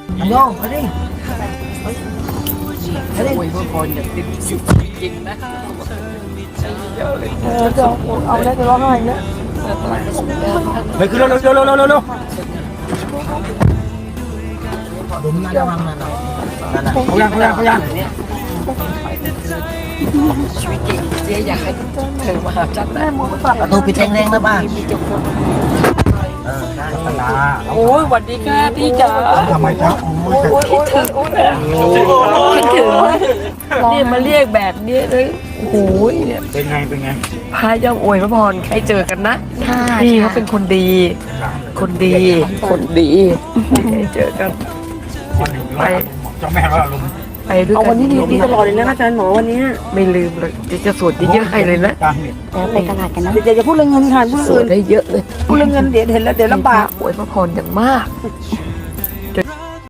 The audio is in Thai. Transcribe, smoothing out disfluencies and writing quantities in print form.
อันโยมาดิมาดิอวยพรอย่างเต็มที่จริงนะจะเอาได้จะร้องไห้นะไปขึ้นเร็วเร็วเร็วเร็วเร็วเร็วดุมน่าจะวางนั่นน่ะเขายังชีวิตจริงเจ๊อยากให้เธอมาหาจันนะประตูปิดแรงๆนะป้ามีเจ้าของได้ตลาโอ้ยสวัสดีค่ะพี่จ๋าทำไมครับโอ้ยคิดถึงนี่มาเรียกแบบนี้เลยโอ้โหเนี่ยเป็นไงพายย่อมอวยพระพรให้เจอกันนะพี่เขาเป็นคนดี คนดีให้เจอกันไปเจ้าแม่ก็ลงไปด้วยเอากัวันนี้ดีตลอดเลยนะอาจารย์หมอวันนี้ไม่ลืมเลยจะสวดเยอะๆให้เลยนะกลางเน็ตไปตลาดกันนะเดี๋ยวจะพูดเรื่องเงินค่ะพูดสวเรื่ดองได้เยอะเลยพูดเรื่องเงินเดี๋ยวเห็นแล้วเดี๋ยวลำบากอวยพระพรอย่างมาก